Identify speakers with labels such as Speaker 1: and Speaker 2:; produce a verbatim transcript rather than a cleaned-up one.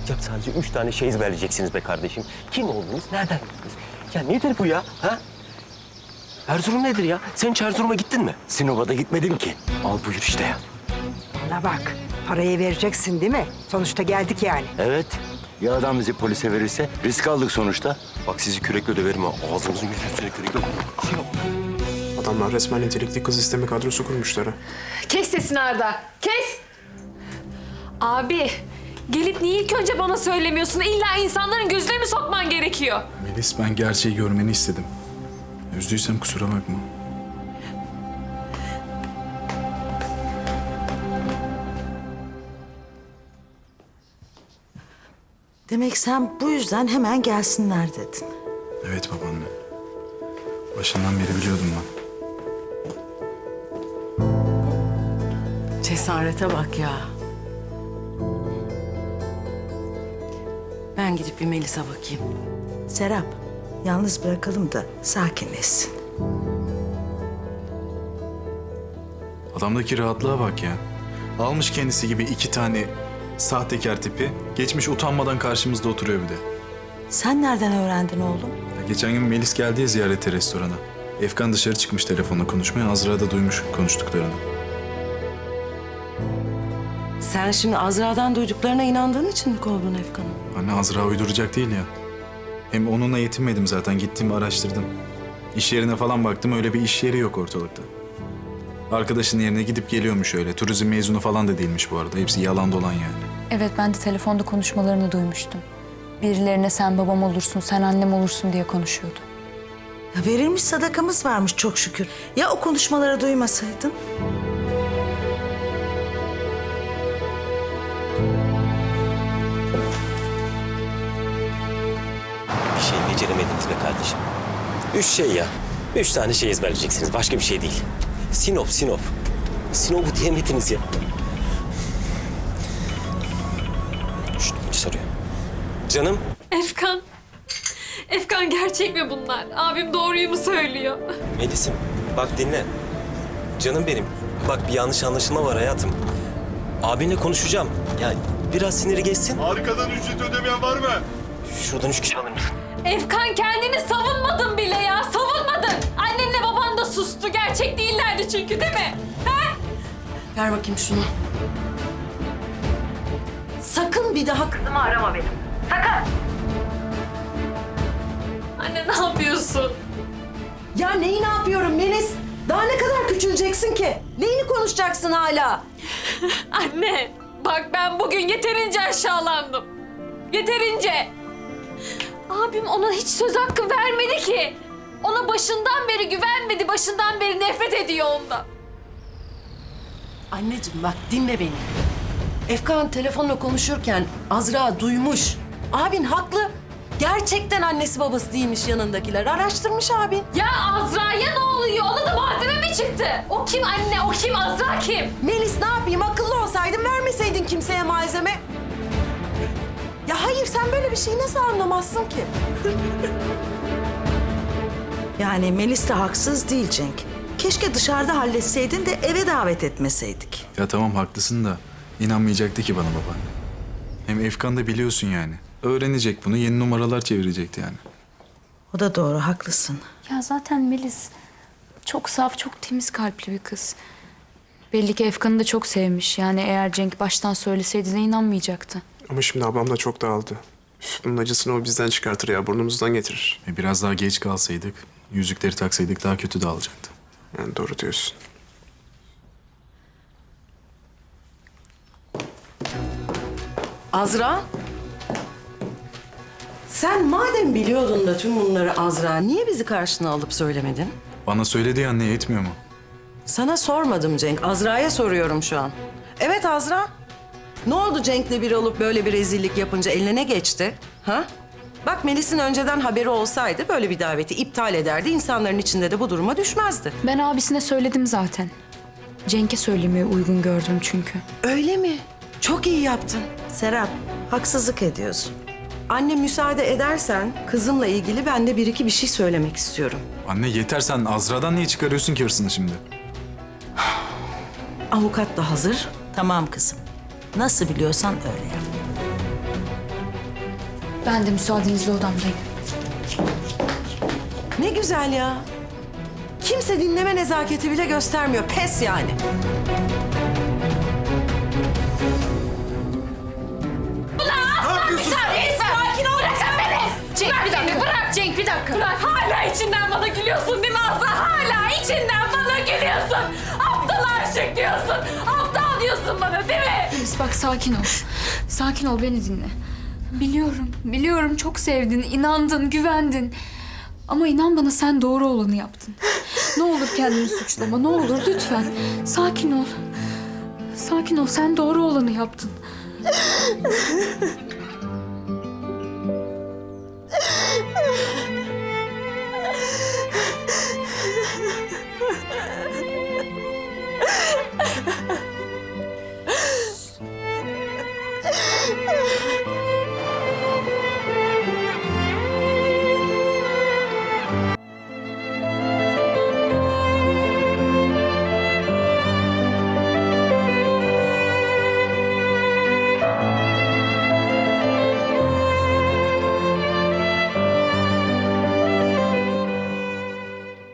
Speaker 1: Yapılacak sadece üç tane şey ezberleyeceksiniz be kardeşim. Kim oldunuz, nereden geldiniz? Ya nedir bu ya, ha? Erzurum nedir ya? Sen hiç Erzurum'a gittin mi?
Speaker 2: Sinop'a da gitmedim ki.
Speaker 1: Al buyur işte ya.
Speaker 3: Bana bak, parayı vereceksin değil mi? Sonuçta geldik yani.
Speaker 2: Evet. Ya adam bizi polise verirse? Risk aldık sonuçta.
Speaker 1: Bak sizi kürekle döverim ha. Ağzınızın yüzünüzü kürekle.
Speaker 4: Adamlar resmen nitelikli kız isteme kadrosu kurmuşlar ha.
Speaker 5: Kes sesini Arda, kes! Abi, gelip niye ilk önce bana söylemiyorsun? İlla insanların gözüne mi sokman gerekiyor?
Speaker 6: Melis, ben gerçeği görmeni istedim. Üzdüysem kusura bakma.
Speaker 7: Demek sen bu yüzden hemen gelsinler dedin.
Speaker 6: Evet babaanne. Başından beri biliyordum ben.
Speaker 8: Cesarete bak ya. Ben gidip bir Melis'e bakayım.
Speaker 7: Serap, yalnız bırakalım da sakinleşsin.
Speaker 6: Adamdaki rahatlığa bak ya. Almış kendisi gibi iki tane sahtekar tipi. Geçmiş utanmadan karşımızda oturuyor bir de.
Speaker 7: Sen nereden öğrendin oğlum?
Speaker 6: Ya geçen gün Melis geldi ya ziyarete restorana. Efkan dışarı çıkmış telefonla konuşmaya. Azra da duymuş konuştuklarını.
Speaker 8: Sen şimdi Azra'dan duyduklarına inandığın için mi kovdun Efkan'ı?
Speaker 6: Anne, Azra uyduracak değil ya. Hem onunla yetinmedim zaten. Gittim araştırdım. İş yerine falan baktım. Öyle bir iş yeri yok ortalıkta. Arkadaşının yerine gidip geliyormuş öyle. Turizm mezunu falan da değilmiş bu arada. Hepsi yalan dolan yani.
Speaker 9: Evet, ben de telefonda konuşmalarını duymuştum. Birilerine sen babam olursun, sen annem olursun diye konuşuyordu.
Speaker 7: Ya verilmiş sadakamız varmış çok şükür. Ya o konuşmaları duymasaydın?
Speaker 1: Bir şey beceremediniz be kardeşim. Üç şey ya. Üç tane şey ezberleyeceksiniz. Başka bir şey değil. Sinop, Sinop. Sinop'u diyemediniz ya. Şşt, bir soruyor. Canım.
Speaker 5: Efkan, Efkan gerçek mi bunlar? Abim doğruyu mu söylüyor?
Speaker 1: Melis'im bak dinle. Canım benim. Bak bir yanlış anlaşılma var hayatım. Abinle konuşacağım. Ya biraz siniri geçsin.
Speaker 10: Arkadan ücret ödemeyen var mı?
Speaker 1: Şuradan üç kişi alır mısın?
Speaker 5: Efkan kendini savunmadın bile ya, savunmadın. Annenle baban da sustu, gerçek değillerdi çünkü değil mi? Ha?
Speaker 8: Ver bakayım şunu. Sakın bir daha kızımı arama benim.
Speaker 5: Anne ne yapıyorsun?
Speaker 8: Ya neyi ne yapıyorum Melis? Daha ne kadar küçüleceksin ki? Neyini konuşacaksın hala?
Speaker 5: Anne, bak ben bugün yeterince aşağılandım. Yeterince. Abim ona hiç söz hakkı vermedi ki. Ona başından beri güvenmedi, başından beri nefret ediyor ondan.
Speaker 8: Anneciğim bak dinle beni. Efkan telefonla konuşurken Azra duymuş. Abin haklı. Gerçekten annesi babası değilmiş yanındakiler. Araştırmış abin.
Speaker 5: Ya Azra'ya ne oluyor? Ona da malzeme mi çıktı? O kim anne, o kim, Azra kim?
Speaker 8: Melis ne yapayım? Akıllı olsaydın vermeseydin kimseye malzeme. Ya hayır sen böyle bir şeyi nasıl anlamazsın ki?
Speaker 7: Yani Melis de haksız değil Cenk. Keşke dışarıda halletseydin de eve davet etmeseydik.
Speaker 6: Ya tamam haklısın da inanmayacaktı ki bana babaanne. Hem Efkan da biliyorsun yani. Öğrenecek bunu, yeni numaralar çevirecekti yani.
Speaker 7: O da doğru, haklısın.
Speaker 9: Ya zaten Melis çok saf, çok temiz kalpli bir kız. Belli ki Efkan'ı da çok sevmiş. Yani eğer Cenk baştan söyleseydi de inanmayacaktı.
Speaker 4: Ama şimdi ablam da çok dağıldı. Üf, bunun acısını o bizden çıkartır ya, burnumuzdan getirir.
Speaker 6: E biraz daha geç kalsaydık, yüzükleri taksaydık daha kötü dağılacaktı.
Speaker 4: Yani doğru diyorsun.
Speaker 8: Azra? Sen madem biliyordun da tüm bunları Azra, niye bizi karşına alıp söylemedin?
Speaker 6: Bana söyledi ya anne, yetmiyor mu?
Speaker 8: Sana sormadım Cenk, Azra'ya soruyorum şu an. Evet Azra. Ne oldu Cenk'le bir olup böyle bir rezillik yapınca eline ne geçti? Ha? Bak Melis'in önceden haberi olsaydı böyle bir daveti iptal ederdi. İnsanların içinde de bu duruma düşmezdi.
Speaker 9: Ben abisine söyledim zaten. Cenk'e söylemeye uygun gördüm çünkü.
Speaker 8: Öyle mi? Çok iyi yaptın.
Speaker 7: Serap, haksızlık ediyorsun.
Speaker 8: Anne müsaade edersen kızımla ilgili ben de bir iki bir şey söylemek istiyorum.
Speaker 6: Anne yeter, sen Azra'dan niye çıkarıyorsun ki hırsını şimdi?
Speaker 8: Avukat da hazır.
Speaker 7: Tamam kızım. Nasıl biliyorsan öyle yap.
Speaker 9: Ben de müsaadenizle odamdayım.
Speaker 8: Ne güzel ya. Kimse dinleme nezaketi bile göstermiyor. Pes yani.
Speaker 5: Sakin ol. Bırak sen beni. Cenk bırak bir dakika. Bırak. Cenk bir dakika. Bırak. Hala içinden bana gülüyorsun değil mi Azra? Hala içinden bana gülüyorsun. Aptal aşık diyorsun. Aptal diyorsun bana değil mi?
Speaker 9: Melis bak sakin ol. Sakin ol beni dinle. Biliyorum, biliyorum çok sevdin, inandın, güvendin. Ama inan bana sen doğru olanı yaptın. Ne olur kendini suçlama, ne olur lütfen. Sakin ol. Sakin ol, sen doğru olanı yaptın.